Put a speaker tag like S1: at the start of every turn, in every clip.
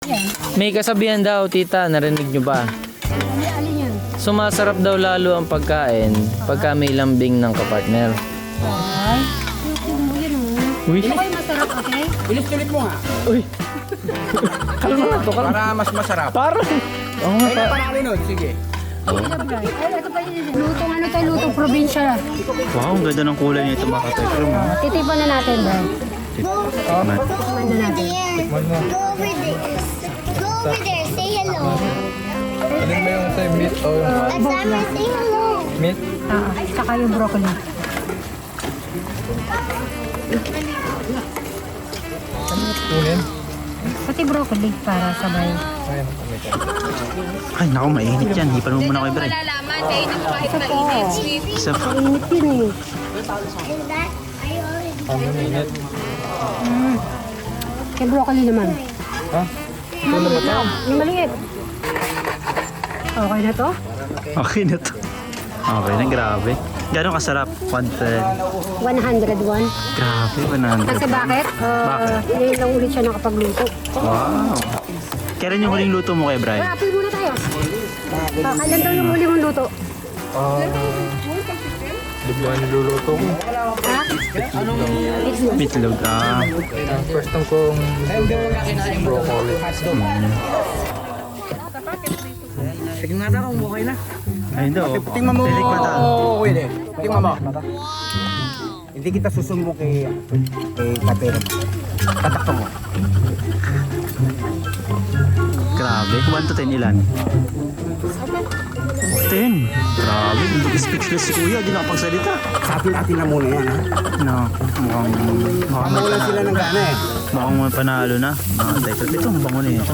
S1: May kasabihan daw, tita, narinig nyo ba?
S2: Alin yan?
S1: Sumasarap daw lalo ang pagkain pagka may lambing ng kapartner.
S2: Ay, yun o.
S1: Uy,
S2: Hindi kayo masarap, okay?
S3: Ulit-ulit mo nga.
S1: uy. Kalma na to, kalma.
S3: Para mas masarap.
S1: Parang. Oo nga
S3: Ay,
S1: pa.
S3: panalo nun. Sige.
S2: Ay, ito pa yun. Lutong ano tayo, lutong probinsya.
S4: Wow, ang ganda ng kulay nito mga katekram.
S2: Titipan na natin ba?
S4: Tikman.
S2: Titipan na natin.
S5: Go over there. Go over there. Say hello.
S6: Alin mo yung sa meat o yung
S5: Asama, say hello.
S6: meat?
S2: Saka yung broccoli.
S6: Kunin.
S2: Pati broccoli para sabay.
S6: Ayan,
S4: Ay, naku, mainit yan. Hipan mo muna kay Bray. Isa pa.
S2: Init yun eh.
S5: And that, I already.
S6: ang minute.
S2: Kay broccoli naman.
S6: Ha? Ito na ba ito?
S2: Yung maliit. Okay na to?
S4: Okay na to. Okay na, grabe. Gano'ng kasarap? 110.
S2: 101.
S4: Grabe,
S2: Kasi
S4: 100.
S2: bakit? Ngayon lang ulit siya nakapagluto.
S4: Wow. Kailan yung huling luto mo kay Bray?
S2: Apoy muna tayo. Kailan daw yung huli mong luto?
S6: Di ba niluluto ko?
S2: Ha? Itlog.
S4: Meatloaf. Ah.
S6: Ang first time kong broccoli.
S3: Sige nga daw, okay na.
S4: Ayun daw.
S3: Tingnan mo.
S4: Titikman daw.
S3: Oo, Willie. Tingnan mo. Hindi kita susumbong kay Katero. Tatakto mo.
S4: Grabe. 1 to 10 ilan? 10. Grabe. Speechless si Kuya. Di nakapagsalita.
S3: Sabi natin na muna yan, ha?
S4: No. Mukhang may
S3: Mawalan sila ng gana, eh.
S4: Mukhang may panalo na. Mga teka. Ito, ang bango na ito.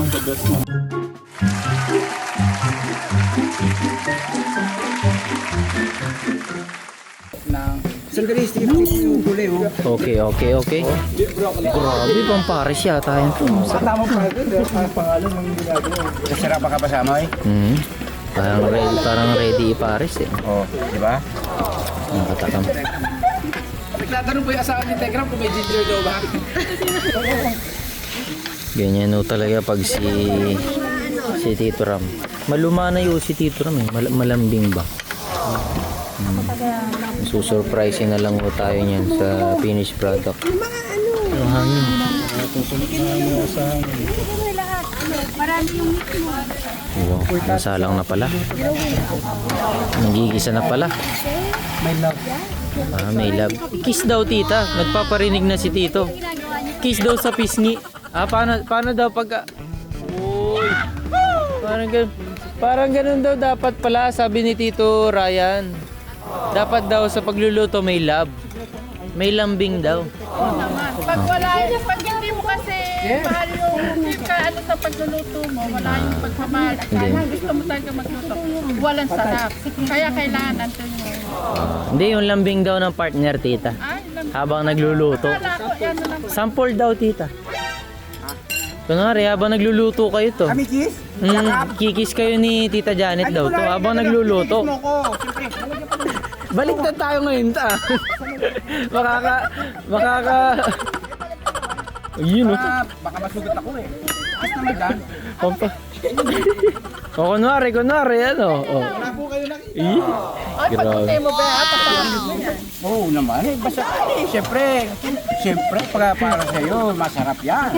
S3: Sandali, sige yung kulay, oh.
S1: Okay. Grabe, pang Paris yata yan to.
S3: Tama pa ito, ang pangalan ng ginagawa. Kasarapan ka pa sa amoy?
S1: Parang ready i-Paris eh.
S3: Oo, di ba?
S1: Ang katakam.
S3: Nagtatanong po yung asawa ni Tegram kung may ginger daw ba?
S1: Ganyan no talaga pag si Tito Ram. Maluma na yun si Tito Ram eh. Malambing ba? Susurprising na lang ho tayo niyan sa finished product. Ang hangin. Wow, nasalang na pala. Nagigisa na pala. Ah, may love. Kiss daw tita. Nagpaparinig na si Tito. Kiss daw sa pisngi. Ah, paano daw pag... Uy. Parang ganun daw dapat pala, sabi ni Tito Ryan. Dapat daw sa pagluluto may love. May lambing daw.
S7: Pag wala yung pag hindi mo kasi mahal yung hindi ka ano sa pagluluto mo, wala yung pagmamahal. At kaya gusto mo talaga magluto, walang sarap. Kaya kailangan nandun yung...
S1: Hindi, yung lambing daw ng partner, tita.
S7: Ay,
S1: Habang nagluluto.
S7: wala ko, yan na lang.
S1: Sample daw, tita. Kunwari, habang nagluluto kayo to.
S3: Kami kiss?
S1: Kikis kayo ni Tita Janet daw to habang nagluluto.
S3: Kiss mo ko. Siyempre,
S1: Baliktad tayo ngayon ta. makaka Ayun oh.
S3: baka masugat ako eh. Kiss naman dyan.
S1: Pampa. O kunwari ano. Oh.
S3: Wala po kayo nakita.
S7: Ay, pagkutay mo ba? Papalang mo yan.
S3: Oo naman. Eh, basta, siyempre, para sa'yo, masarap yan.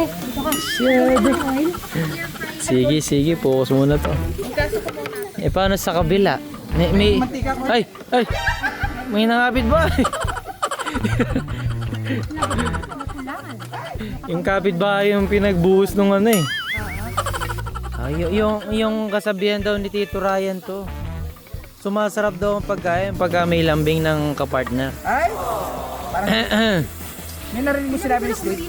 S1: Sige, focus muna to. Eh paano sa kabila? May ay, may nangapit ba? Yung kapitbahay yung pinagbuhos nung ano eh. Yung kasabihan daw ni Tito Ryan to. Sumasarap daw ang pagkain pagka may lambing ng kapartner.
S3: Ay, parang, may narinig mo sinabi ni Steve?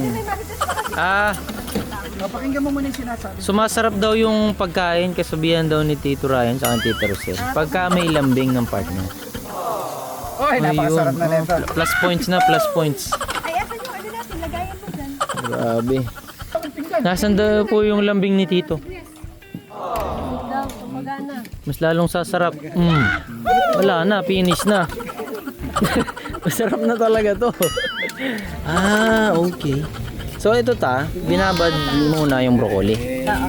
S3: Pakinggan mo muna yung sinasabi.
S1: Sumasarap daw yung pagkain, kasabihan daw ni Tito Ryan sa Tito Rosel. Pagka may lambing ng partner.
S3: Oy, napakasarap na nito.
S1: Plus points.
S7: Ay, asan yung ano natin? Lagayan mo dyan.
S1: Grabe. Nasaan daw po yung lambing ni Tito? Mas lalong sasarap. Wala na, finish na. Masarap na talaga to. Ah, okay. So ito binabad muna yung broccoli.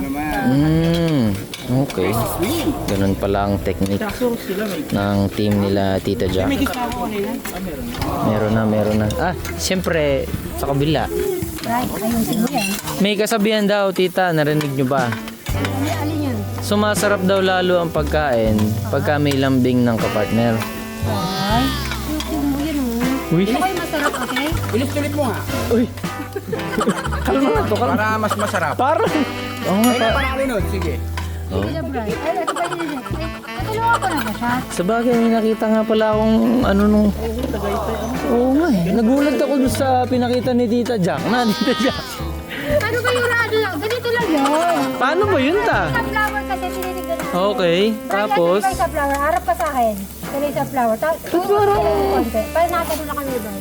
S1: Okay. Ganun pala ang technique ng team nila Tita Jack. Meron na. Siyempre, sa kabila.
S2: Ayusin mo yan.
S1: May kasabihan daw, Tita, narinig nyo ba?
S2: Alin yan?
S1: Sumasarap daw lalo ang pagkain pagka may lambing ng kapartner.
S2: Ay, ayusin mo yan oh.
S1: Uy.
S2: Ito kayo masarap, okay?
S3: Ulit-ulit mo nga.
S1: Uy! Kalma to, kalma.
S3: Para mas masarap.
S1: Parang... Oo nga
S3: Ay,
S1: pa.
S3: napangalinod. Sige.
S1: Oh.
S2: Sige, Bray. Ay, ito pa yun. Natulungan ko na ba siya?
S1: Sa bagay, may nakita nga pala akong ano nung... Oo nga eh. Nagulat ako dun sa pinakita ni Tita Jack. Tita Jack.
S2: Ano ba yung rado lang? Ganito lang yun.
S1: Paano ba yun
S2: Sa flower kasi tinitignan natin.
S1: Okay, tapos...
S2: Bray, sa flower. Harap ka sa akin. Tuloy sa flower. Tulog ka lang konti. Para nakatano na kami, Bray.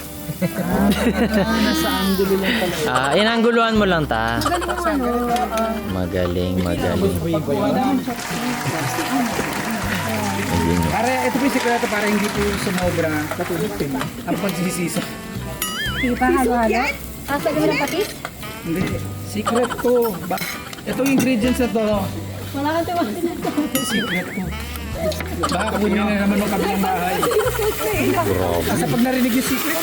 S1: Inangguluhan mo lang ta.
S2: Magaling mo ano.
S1: Magaling.
S3: Para ito po yung sikreto para hindi po sumobra katulad din ang pagsisisa.
S2: Sige pa, halo-halo. Sasagawin ng patis?
S3: Hindi. Secret to. Itong ingredients na to.
S2: Wala kang tiwala na ito.
S3: Secret to. Baka kunin na naman ng kabilang bahay. Kasi pag narinig yung secret,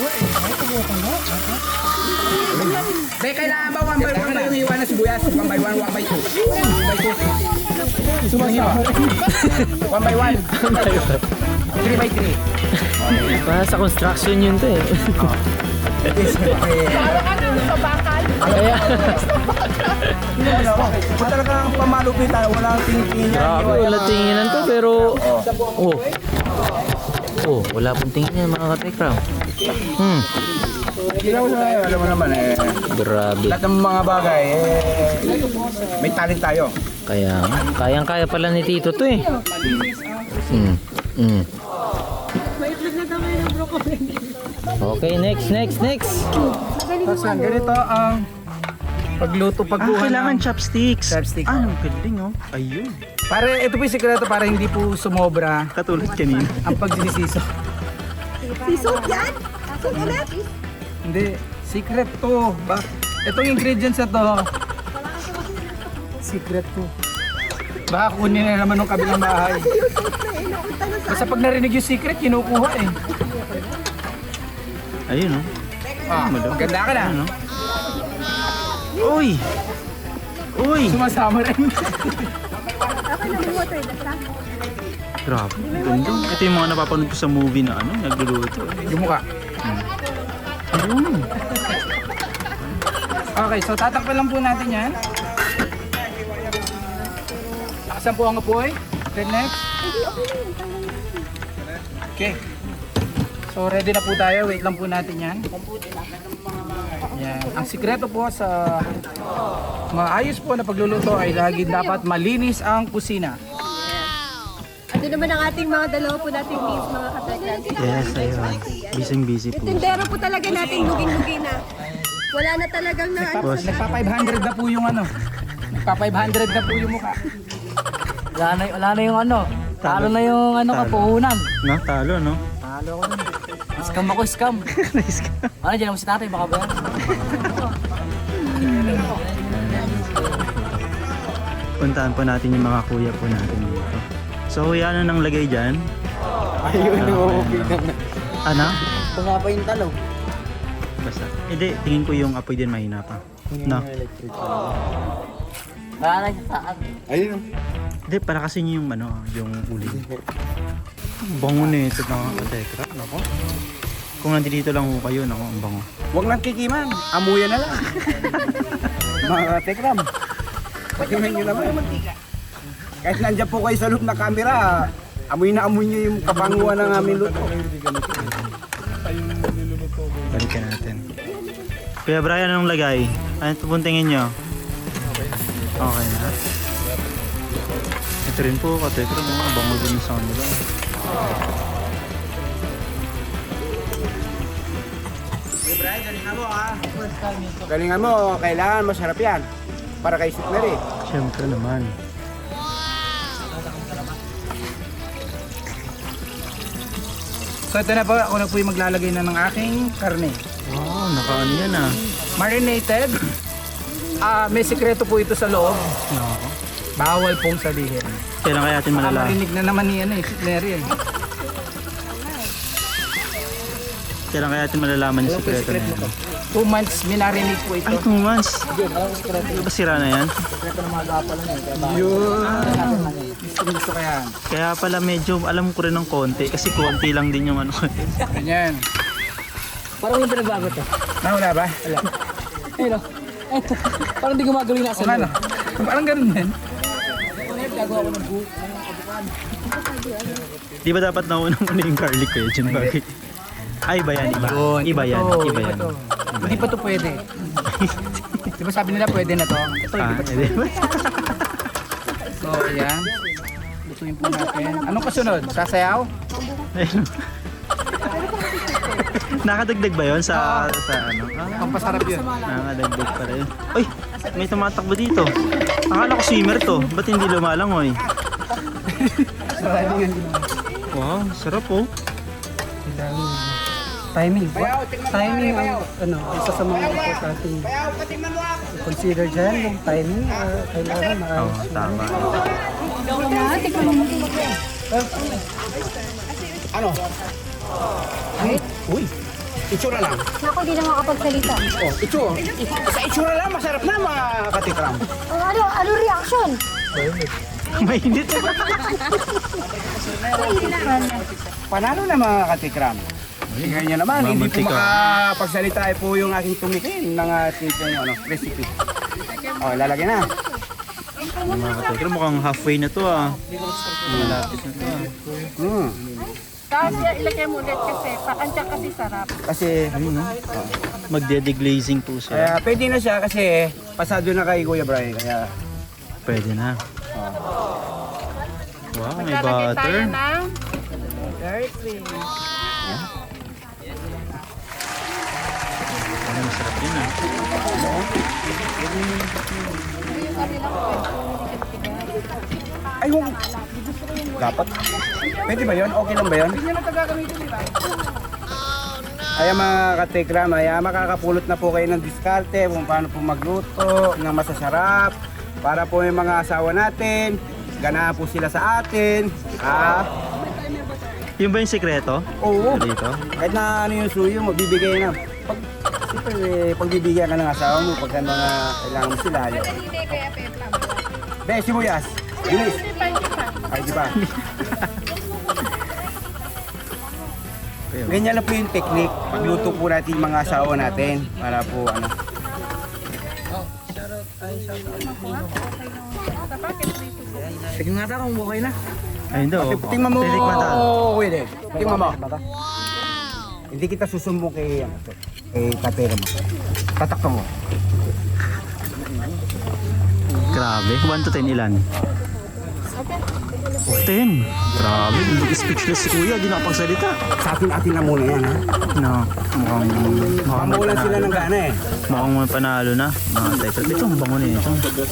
S3: kailangan ba 1 by 1 ba yung iwan na sibuyas? 1 by 1, 1 by 2. Sumahiwa. 1 by 1. 3 by 3.
S1: Pa sa construction yun to eh.
S7: Parang sa bakal.
S1: Kaya,
S3: Kung talagang pamalupitan, walang tingin-tingin yan.
S1: grabe, wala tinginan to pero... Wala pong tingin yan mga katekram.
S3: Alam mo naman
S1: Grabe.
S3: lahat ng mga bagay may talent tayo.
S1: Kaya, kayang-kaya pala ni Tito to eh. Okay, next.
S3: Ganito ang pagluto, pagkuha
S4: Kailangan
S3: ng
S4: chopsticks.
S3: chopstick.
S4: Ang galing oh. Ayun.
S3: Para ito po yung sikreto para hindi po sumobra
S4: Katulad kanina.
S3: ang pagsisiso.
S2: Sisot yan? Sisot ulit?
S3: Hindi, secret to. Itong ingredients na to. Secret to. Baka kunin na naman ng kabilang bahay. Basta pag narinig yung secret, kinukuha eh.
S4: Ayun oh.
S3: Ganda ka na.
S4: Ano? Uy!
S3: Sumasama rin.
S4: Grabe. Ganda. Ito yung mga napapanood ko sa movie na nagluluto.
S3: Yung mukha. Okay, so tatakpan lang po natin yan. Lakasan po ang apoy. Then next. Okay. So ready na po tayo. Wait lang po natin yan. Yan. Ang sikreto po sa maayos po na pagluluto ay lagi dapat malinis ang kusina.
S2: Ito naman ang ating mga dalawa po nating meals, mga katekran.
S4: Yes, ayun. Busy po.
S2: Tindero po talaga natin luging-lugi na. Wala na talagang na
S3: Nagpa 500 na po yung Nagpa 500 na po yung mukha.
S8: Wala na yung talo na yung kapuhunan.
S4: No? Talo, no?
S8: Talo ko nun. Scam ako, scam. Dyan mo si tatay, baka ba yan?
S4: Puntahan po natin yung mga kuya po natin dito. So, kuya, ano nang lagay dyan?
S3: Ayun,
S4: Ano?
S8: Tumapa yung talo.
S4: Basta. Hindi, tingin ko yung apoy din mahina pa. No?
S8: Wala na siya saan.
S4: Hindi, para kasi yung yung uling. Bango na ito mga katekra. Nako. Kung nandito lang ho kayo, nako, ang bango.
S3: Huwag nang kikiman. Amuyan na lang. Mga tekram. Pakiman nyo naman. Kahit nandiyan po kayo sa loob na camera, amoy na amoy nyo yung kapanguan ng aming luto.
S4: Balikan natin. Kuya Brian, anong lagay? Ano pupuntingin nyo? Okay na. Ito rin po, katekra, mga bango din sa kanila.
S3: Galingan mo, kailangan masarap yan. Para kay Sweet Mary.
S4: Siyempre naman.
S3: So ito na po, ako na po yung maglalagay na ng aking karne.
S4: Wow, nakaano yan ah.
S3: Marinated. May sikreto po ito sa loob. Bawal pong sabihin.
S4: Kailan kaya natin malalaman?
S3: Marinig na naman ni si Clary eh.
S4: Kailan kaya natin malalaman yung sekreto na yan?
S3: 2 months minarinate po ito.
S4: Ay, 2 months. Di ba sira na yan?
S3: Gusto ko yan.
S4: Kaya pala medyo alam ko rin ng konti kasi konti lang din yung ano.
S3: Ganyan.
S8: Parang walang pinagbago to.
S3: Wala ba? Wala.
S8: Ayun o. Parang di gumagawin na sa
S3: Ano? Parang ganun din.
S4: Di ba dapat naunang muna yung garlic kayo dyan? Bakit? Ay, iba yan, iba. Iba yan, iba yan.
S3: Hindi pa to pwede. Di ba sabi nila pwede na to? Ito,
S4: Ah,
S3: hindi pa to. So, ayan. Lutuin po natin. Anong kasunod? Sasayaw?
S4: Ayun. Nakadagdag ba yun sa ano?
S3: Pampasarap yun.
S4: Nakadagdag pa rin. Uy, may tumatakbo dito. Akala ko swimmer to. Ba't hindi lumalangoy? Wow, sarap oh.
S9: Timing. Timing ang isa sa mga importanteng consider dyan, yung timing, kailangan
S4: Oo, tama.
S3: Ano? Uy, itsura lang.
S2: Naku, di na makapagsalita.
S3: Oh, sa itsura lang, masarap na mga katikram.
S2: Ano reaction?
S4: Mainit.
S3: Panalo na mga katikram. Tingnan nyo naman, hindi po makapagsalita po yung aking tumikin ng ating recipe. Oh, lalagyan na.
S4: Mga katekra, mukhang halfway na to ah. Malapit na to ah.
S7: Tapos ilagay mo ulit kasi pakansya kasi sarap.
S3: Kasi,
S4: Magde-deglazing po siya.
S3: pwede na siya kasi pasado na kay Kuya Brian. Kaya,
S4: Pwede na. Wow, may
S7: Maglalagay tayo
S4: butter.
S7: ng very cream.
S4: Ano, masarap yun ah.
S3: ay, huwag. Dapat. Pwede ba yun? Okay lang ba yun? Kaya mga katikram, makakapulot na po kayo ng diskarte kung paano po magluto ng masasarap para po yung mga asawa natin, ganahan po sila sa atin.
S4: Yun ba yung sekreto?
S3: Oo.
S4: Dito?
S3: Kahit na ano yung suyo mo, bibigay na. Siyempre, pagbibigyan ka ng asawa mo, pagka mga kailangan mo sila. Be, sibuyas. Bilis. Ay, di ba? Ganyan lang po yung technique. Pagluto po natin yung mga asawa natin. Para po, ano.
S8: Tignan nga kung okay na.
S4: Ay, hindi oh.
S3: Tingnan mo.
S4: Titikman tayo.
S3: Pwede. Tingnan mo. Hindi kita susumbong kay katera mo. Tatakpan mo.
S4: Grabe. 1 to 10 ilan? 10. Grabe. Speechless si Kuya. Di nakapagsalita.
S3: Sa atin-atin na muna yan, ha?
S4: No. Mukhang
S3: Pamulan sila ng gana, eh.
S4: Mukhang may panalo na. Mga tekrat. Ito, ang bango nito.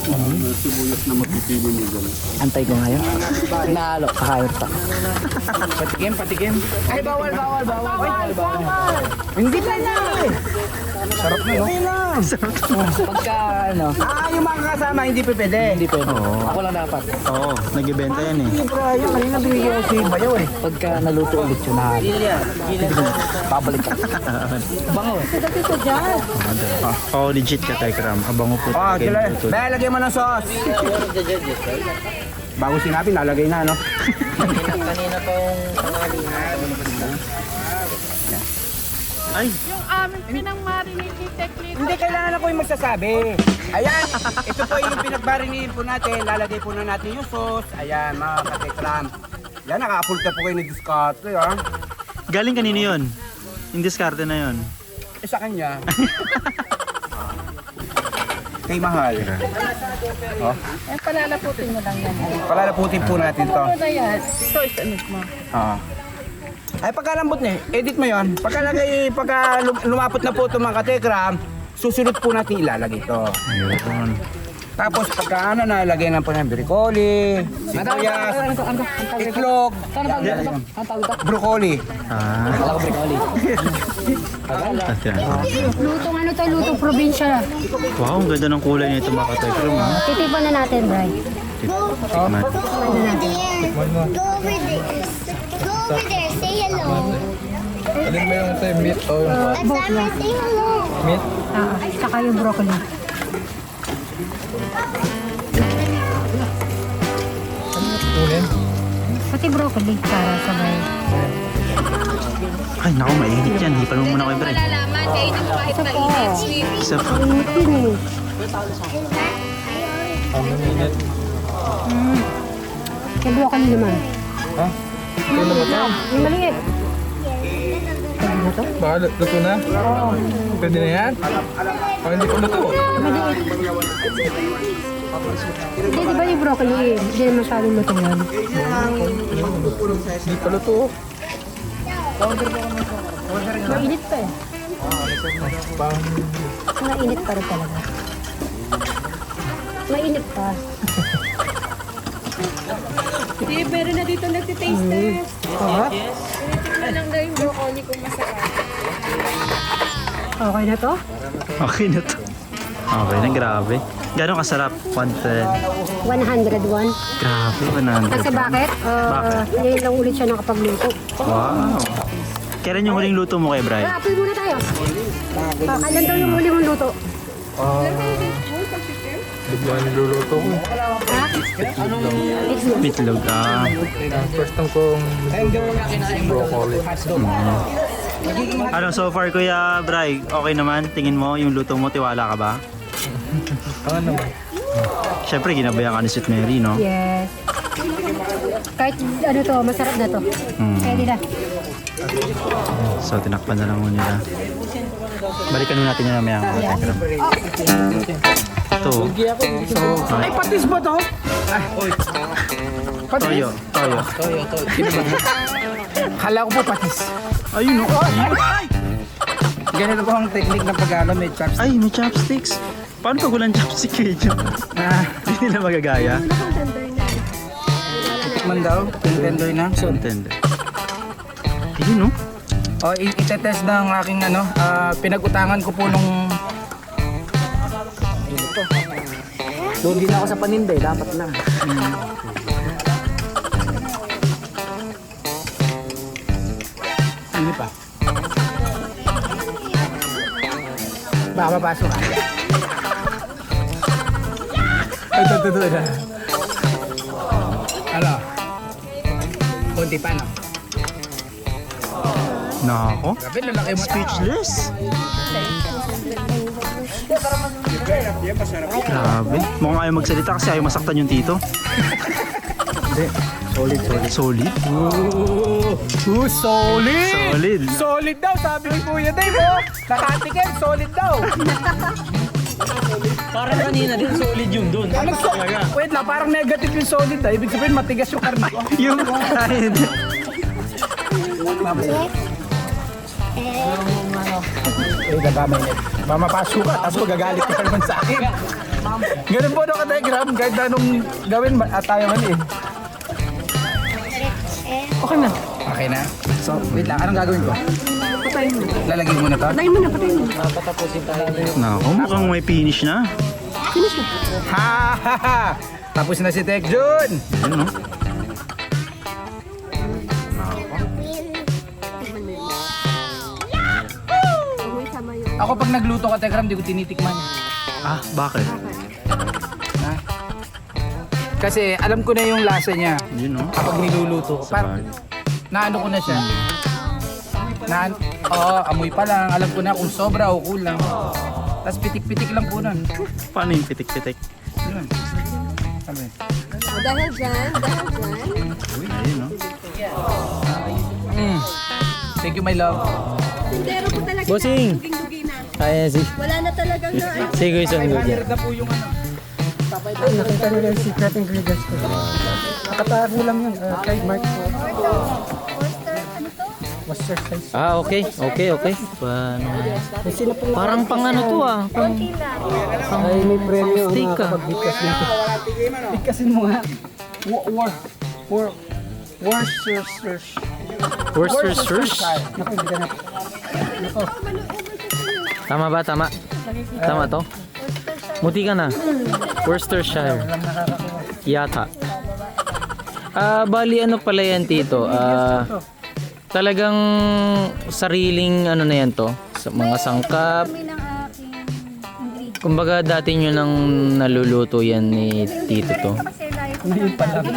S8: Antay ko ngayon. Nalo, kakayot pa.
S3: Patikim. Ay, bawal. Hindi pa na, eh. Sarap na, no?
S8: Pagka ano,
S3: Yung mga kasama, hindi pa pwede.
S8: hindi pwede.
S4: Oo.
S8: Ako lang dapat.
S4: Oo. Nagbibenta yan eh.
S3: Yung kanina binigyan ko si Bayaw, eh.
S8: Pagka naluto ulit yun, babalik ka. Bango eh.
S4: Oh, legit ka, Tekram. Abango po.
S3: Sila. Baya, lagyan mo ng sauce. Bago sinabi, nalagay na, no?
S4: Ay!
S7: Yung aming pinang-marinated technique.
S3: Hindi kailangan ako yung magsasabi. Ayan, ito po yung pinagbarinin po natin. Lalagay po na natin yung sauce. Ayan, mga katekram. Yan, nakapulta po kayo ng diskarte, ha?
S4: Galing kanino yun? Yung diskarte na yun.
S3: Sa kanya. Kay Mahal. Oh,
S7: Palalaputin mo lang yan.
S3: palalaputin po natin to.
S7: Ano na yan? Ito, isanit mo.
S3: Ay, pagkalambot niya, edit mo yon. Pagka lumapot na po ito mga katekram, susunod po natin ilalagay ito.
S4: Ayun.
S3: Tapos pagka ano, nalagyan lang po ng broccoli, sibuyas, itlog, broccoli.
S2: Lutong ano to, lutong probinsya.
S4: Wow, ang ganda ng kulay nito mga katekram ha.
S2: Titipan na natin, Bray.
S4: Tikman.
S5: Go over there. Go over there. Go over there. Say hello.
S6: Alin mo yung tayo meat o yung
S5: Alexander, say hello.
S6: meat?
S2: Saka yung broccoli.
S6: Kunin?
S2: Pati broccoli para sabay.
S4: Ay, naku, mainit yan. Hipan mo muna kay Bray.
S7: Malalaman, kainin mo kahit mainit.
S4: Isa pa.
S2: Init din eh. Yung broccoli naman.
S6: Ha? Ito na ba ito?
S2: Yung maliit. Pwede na to?
S6: Baka luto na? Pwede na yan? Baka hindi ko luto.
S2: Maliit. Hindi, di ba yung broccoli eh? Hindi naman masyadong luto yan.
S6: Hindi pa luto.
S2: Mainit pa eh. Mainit pa rin talaga. Mainit pa.
S7: Hindi, meron na dito nagtitaste test.
S2: Yes.
S7: Tingnan lang na yung broccoli kung masarap.
S2: Okay na to?
S4: Okay na to. Okay na, grabe. Gano'ng kasarap? 110.
S2: 101.
S4: Grabe, 100.
S2: Kasi bakit?
S4: Bakit?
S2: Ngayon lang ulit siya nakapagluto.
S4: Wow. Kailan yung huling luto mo kay Bray?
S2: Apoy muna tayo. Kailan daw yung huli mong luto?
S6: Bigla niluluto ko.
S2: Ha?
S4: Bitlog.
S6: First time kong broccoli.
S4: Ano, so far Kuya Bray, okay naman? Tingin mo yung luto mo, tiwala ka ba?
S6: Ano naman?
S4: Siyempre, ginabayan ka ni Sweet Mary, no?
S2: Yes. Kahit ano to, masarap na to. Pwede na.
S4: So, tinakpan na lang muna nila. Balikan muna natin yun mamaya mga katekram. Ito.
S3: Ay, patis ba to?
S4: Toyo.
S3: Kala ko po patis.
S4: Ayun, no?
S3: Ganito po ang technique ng pag-ano, may chopstick.
S4: Ay, may chopsticks. Paano pag walang chopstick kayo? Hindi nila magagaya.
S3: Tikman daw, tender na.
S4: So, tender. Ayun, no?
S3: O, itetest ng aking ano, pinag-utangan ko po nung...
S8: Doon din ako sa paninday, dapat lang.
S3: Ano pa? Baka mapasok. Ito. Ano? Kunti pa, no?
S4: Nako.
S3: Grabe, lalaki mo.
S4: Speechless. Grabe. Mukhang ayaw magsalita kasi ayaw masaktan yung tito. Hindi. Solid.
S3: Solid!
S4: Solid.
S3: Solid daw, sabi ni Kuya Dave, oh! Nakatikim, solid daw!
S8: Parang kanina din, solid yung doon.
S3: Wait lang, parang negative yung solid, ah. Ibig sabihin, matigas yung karne ko.
S4: Yung kahit.
S3: Baka mapasok ka, tapos magagalit ka naman sa akin. Ganun po, no, ka-diagram, kahit anong gawin, tayo man eh. Okay na. Okay na? So, wait lang, anong gagawin ko? Patayin mo. Lalagyan mo na to? Patayin mo na.
S4: Nako, mukhang may finish na.
S3: Ha! Tapos na si Tek Jun!
S4: Ayun, no?
S3: Ako pag nagluto ka, Tekram, di ko tinitikman.
S4: Ah, bakit?
S3: Ha? Kasi alam ko na yung lasa niya
S4: Yun, no?
S3: kapag niluluto ko. Parang naano ko na siya. Amoy pa lang. Alam ko na kung sobra o kulang. Tapos pitik-pitik lang po nun.
S4: Paano yung pitik-pitik?
S3: Yun. Sabi.
S7: Dahil dyan.
S4: Ayun, no?
S3: Thank you, my love.
S7: Pero po talaga.
S1: Bossing!
S7: Duging-dugi na.
S1: Kaya si...
S7: Wala na talagang na.
S1: Sige, isang gudya.
S3: Na po yung ano.
S9: Nakita nila yung secret ingredients ko. Nakatago lang yun. Trademark ko. exercise.
S1: Okay. Parang pang ano to ah.
S9: Ay, may premyo ang
S1: Steak ka.
S9: nakakapagbigas nito. Bigkasin mo nga. Worcestershire.
S1: Worcestershire.
S9: Naku, hindi ka na.
S1: Tama ba? Tama to? Muti ka na. Worcestershire. Yata. Bali ano pala yan tito? Talagang sariling ano na yan to? Sa mga sangkap.
S2: Kami ng aking ingredient.
S1: Kumbaga dati nyo nang naluluto yan ni tito to.
S2: Kasi like,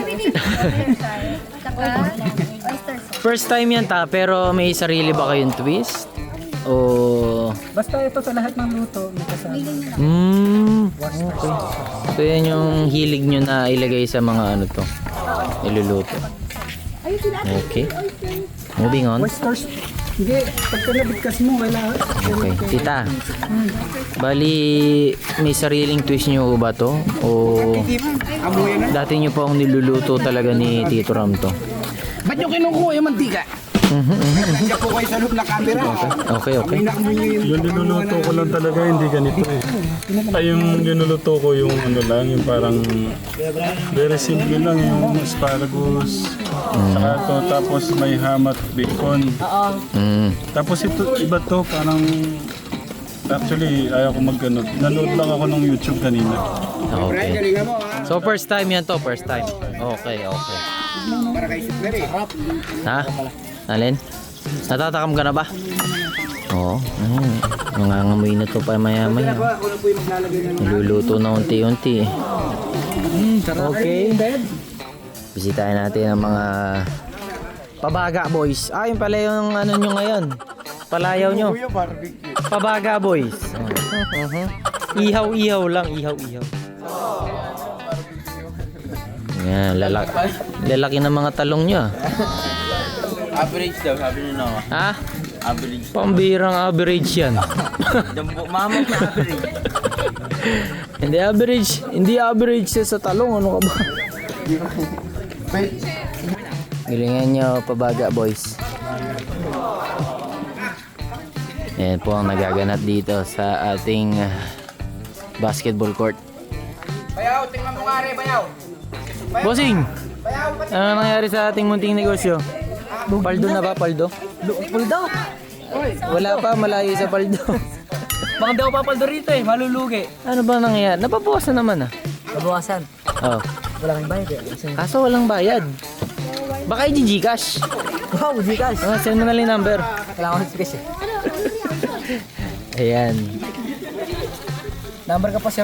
S2: saka oyster sauce.
S1: First time yan ta, pero may sarili ba kayong twist? O...
S9: Basta ito sa lahat ng luto, may kasama.
S1: Okay. So yan yung hilig nyo na ilagay sa mga ano to, iluluto. Okay. Moving on.
S9: Oysters. Hindi, pagka nabigkas mo, kailangan.
S1: Okay. Tita, bali may sariling twist nyo ba to? O dati nyo po ang niluluto talaga ni Tito Ram to?
S3: Ba't nyo kinukuha yung mantika? Nandiyan po kayo sa loob na camera.
S1: Okay.
S3: Amoy na amoy nyo yung
S6: Yung linuluto ko lang talaga, hindi ganito eh. Ay, yung linuluto ko yung ano lang, yung parang very simple lang, yung asparagus. Saka to, tapos may ham at bacon. Tapos ito, iba to, parang actually ayaw ko mag-ano. Nanood lang ako ng YouTube kanina.
S1: Okay.
S3: galingan mo ha.
S1: So first time yan to, first time. Okay.
S3: Para kay Super eh.
S1: Ha? Alin? Natatakam ka na ba? Oo. Nangangamoy na to pa maya-maya.
S3: Ako na po yung maglalagay ng
S1: Niluluto na unti-unti. Okay. Bisitahin natin ang mga Pabaga Boys. Yun pala yung ano nyo ngayon. Palayaw nyo. Pabaga Boys. Ihaw-ihaw lang. Ihaw-ihaw. Yan, lalaki ng mga talong nyo.
S8: Average daw, sabi nyo na.
S1: Ha?
S8: Average.
S1: Pambirang average yan.
S8: Mama ko average.
S1: Hindi average sa talong. Ano ka ba? Galingan nyo, Pabaga Boys. Yan po ang nagaganap dito sa ating basketball court.
S3: Bayaw, tingnan mo nga rin, bayaw.
S1: Bossing! Ano nangyari sa ating munting negosyo? Paldo na ba? Paldo?
S8: Puldo!
S1: Wala pa, malayo sa paldo.
S8: Baka daw papaldo rito eh, malulugi.
S1: Ano ba nangyayari? Napabawasan naman ah.
S8: Nabawasan.
S1: Oh.
S8: Wala kang bayad eh.
S1: Kaso walang bayad. Baka i-Gcash.
S8: Wow, Gcash.
S1: Send mo na lang yung number.
S8: Kailangan ko sa space eh.
S1: Ayan.
S8: Number ka po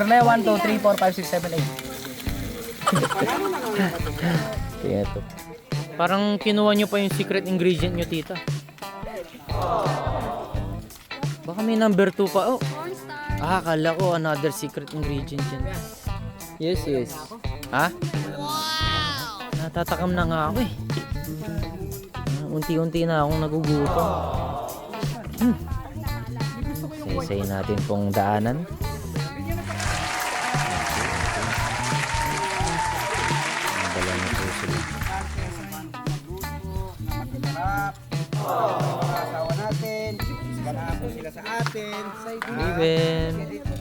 S8: 0912345678.
S1: Kaya to. Parang kinuha nyo pa yung secret ingredient nyo, tita. Baka may number 2 pa. Oh. Akala ko another secret ingredient yan. Yes. Ha? Natatakam na nga ako eh. Unti-unti na akong nagugutom. Say natin pong daanan. Dala na po sila.
S3: Asawa natin. Iskana po sila sa atin.
S1: Even.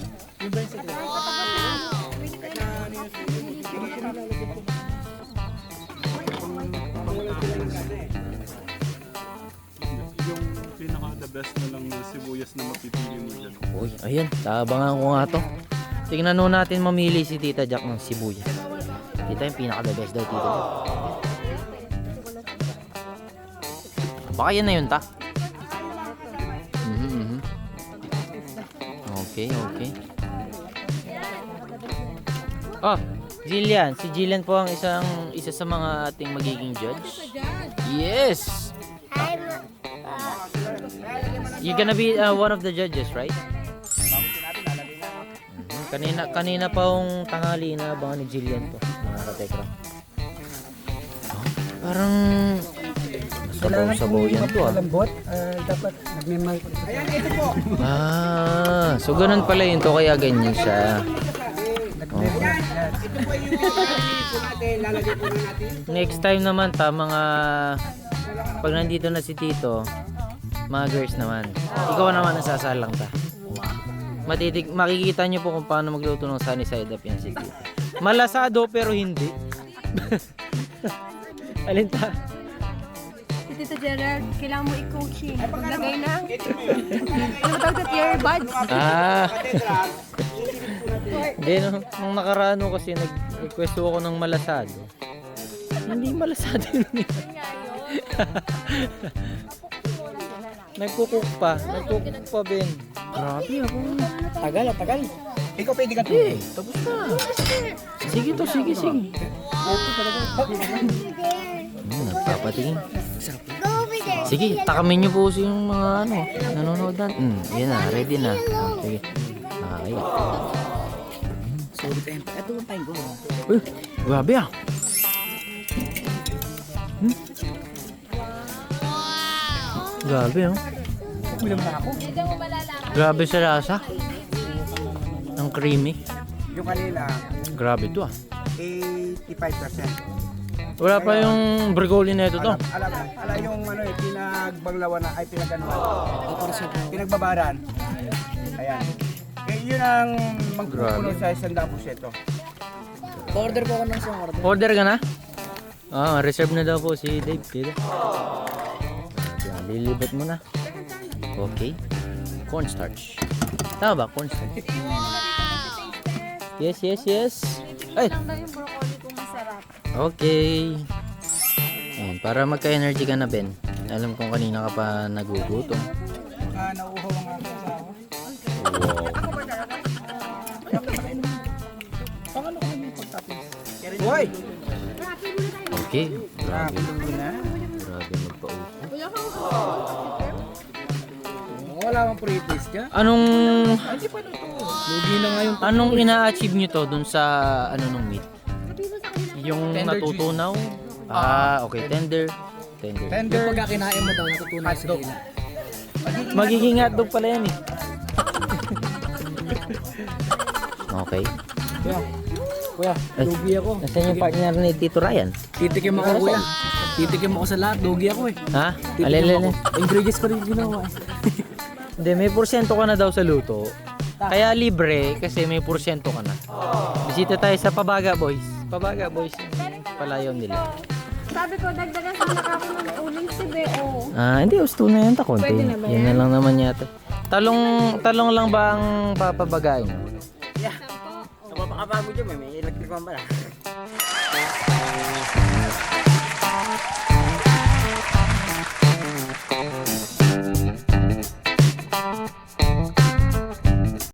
S6: Yung pinaka-the best na lang na sibuyas na mapipili mo dyan.
S1: Uy, ayan. Tabangan ko nga to. Tingnan nun natin mamili si Tita Jack ng sibuyas. Tita yung pinaka-the best daw, Tita Jack. Baka yan na yun, ta? Okay. Oh, Jillian. Si Jillian po ang isa sa mga ating magiging judge. Yes! You're gonna be one of the judges, right? Kanina pa yung tanghali na abangan ni Jillian to, mga katekra. Oh, parang sabaw yan to ah.
S9: Malambot, dapat nagmimay.
S1: So ganun pala yun to, kaya ganyan siya.
S3: Ito po yung lalagay po natin.
S1: Next time naman ta, mga pag nandito na si Tito, mga girls naman. Ikaw naman nasasalang ta. Makikita nyo po kung paano magluto ng sunny side up yan si Tito. Malasado pero hindi. Alin ta?
S2: Tito Gerald, kailangan mo i-coaching. Maglagay ng ano tawag sa earbuds.
S1: Hindi, nung nakaraan kasi nag-request ako ng malasado. Hindi malasado yun. Nagkukuk pa, Ben. Grabe ako.
S3: Tagal. Ikaw pwede ka
S1: Tapos na. Sige to, sige. Nagpapatingin.
S5: Go over there.
S1: Sige, takamin niyo po yung mga nanonood na. Yan na, ready na. Sige, nakakaya.
S8: Sorry tayo. Ito ang time ko.
S1: Uy, grabe ah. Grabe oh. Grabe sa lasa. Ang creamy.
S3: Yung kanina,
S1: Grabe to ah.
S3: 85%.
S1: Wala pa yung brigoli na ito to.
S3: Alam yung pinagbanglawan na, ay pinagbabaran. Ayan. Yun ang magpupuno sa 100%.
S8: Order po ako ng isang order.
S1: Order ka na? Reserve na daw po si Dave. Dito. Yan, lilibot mo na. Okay. Cornstarch. Tama ba? Cornstarch. Yes. Ay! Okay. Ayan, para magka-energy ka na, Ben. Alam kong kanina ka pa nagugutom.
S3: Nauuhaw ang aking asawa.
S1: Wow.
S3: Hoy!
S1: Okay. Grabe. Grabe magpa-upo.
S3: Wala mang pre-taste dyan.
S1: Anong ina-achieve nyo to dun sa nung meat? Yung natutunaw? Okay. Tender.
S8: Yung pagkakinain mo daw, natutunan sa dila.
S1: Magiging hotdog pala yan eh. Okay.
S8: Kuya, lugi ako.
S1: Nasaan yung partner ni Tito Ryan?
S8: Titikim ako, kuya. Titikim ako sa lahat. Lugi ako eh.
S1: Ha?
S8: Titikim ako. Ingredients pa rin ginawa eh.
S1: Hindi, may porsyento ka na daw sa luto. Kaya libre kasi may porsyento ka na. Bisita tayo sa Pabaga Boys. Pabaga Boys yung palayaw nila.
S2: Sabi ko, dagdagan sana ka ako ng uling si Beo.
S1: Hindi, gusto na yan ta konti.
S2: Pwede na ba
S1: Yan na lang naman yata. Talong lang ba ang papabagain?
S8: Napapakapagod dyan, may electric fan pala.